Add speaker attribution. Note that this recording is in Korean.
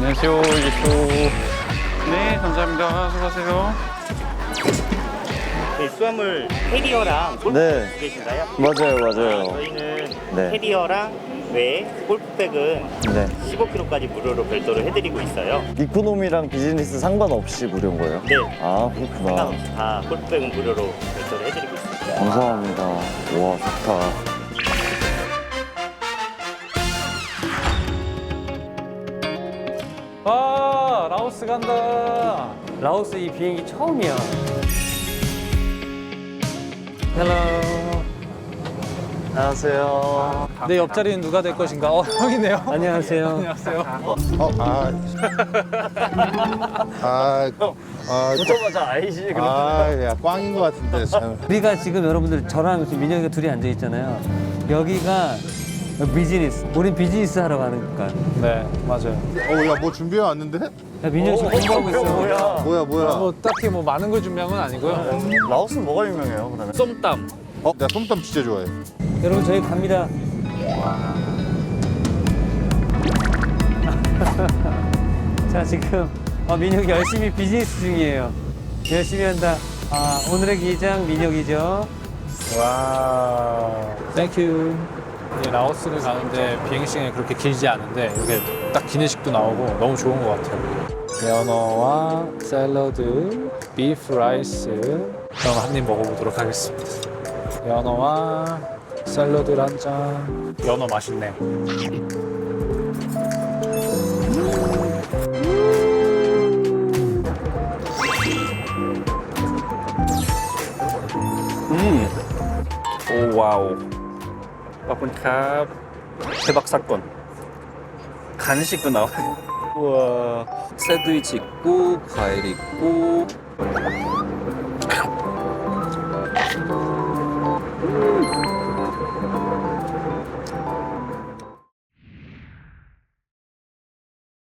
Speaker 1: 안녕하세요. 네, 감사합니다. 수고하세요.
Speaker 2: 네, 수화물 캐리어랑 골프백
Speaker 3: 네.
Speaker 2: 두 개신가요?
Speaker 3: 맞아요.
Speaker 2: 저희는
Speaker 3: 네.
Speaker 2: 캐리어랑 외에 골프백은
Speaker 3: 네.
Speaker 2: 15kg까지 무료로 별도로 해드리고 있어요.
Speaker 3: 이코노미랑 비즈니스 상관없이 무료인 거예요?
Speaker 2: 네.
Speaker 3: 아, 그렇구나.
Speaker 2: 상관없이 다 골프백은 무료로 별도로 해드리고 있습니다.
Speaker 3: 감사합니다. 와, 좋다.
Speaker 4: 아, 라오스 간다. 라오스 이 비행기 처음이야. 헬로.
Speaker 3: 안녕하세요.
Speaker 4: 내 옆자리는 누가 될 것인가? 형이네요. 안녕하세요. 안녕하세요.
Speaker 3: 보자마자 아이지.
Speaker 5: 야, 꽝인 것 같은데, 참.
Speaker 6: 우리가 지금 여러분들 저랑 지금 민혁이가 둘이 앉아 있잖아요. 여기가 비즈니스. 우린 비즈니스 하러 가는 거야.
Speaker 4: 네, 맞아요.
Speaker 5: 야, 뭐 준비해 왔는데?
Speaker 6: 야, 민혁 지금 공부하고 있어.
Speaker 3: 뭐야?
Speaker 5: 뭐야?
Speaker 4: 뭐 딱히 뭐 많은 걸 준비한 건 아니고요.
Speaker 3: 라오스는 뭐가 유명해요, 그러면?
Speaker 4: 쏨땀.
Speaker 5: 내가 솜땀 진짜 좋아해.
Speaker 6: 여러분 저희 갑니다. 자 지금 민혁이 열심히 비즈니스 중이에요. 열심히 한다. 오늘의 기장 민혁이죠.
Speaker 4: 와. 땡큐. 라오스를 가는데 비행 시간이 그렇게 길지 않은데 이렇게 딱 기내식도 나오고 너무 좋은 것 같아요. 연어와 샐러드, 비프 라이스. 그럼 한 입 먹어보도록 하겠습니다. 연어와 샐러드 한 잔. 연어 맛있네.
Speaker 1: 오, 와우. 바쁜캅. 대박 사건. 간식도 나와요. 우와. 샌드위치 있고, 과일 있고.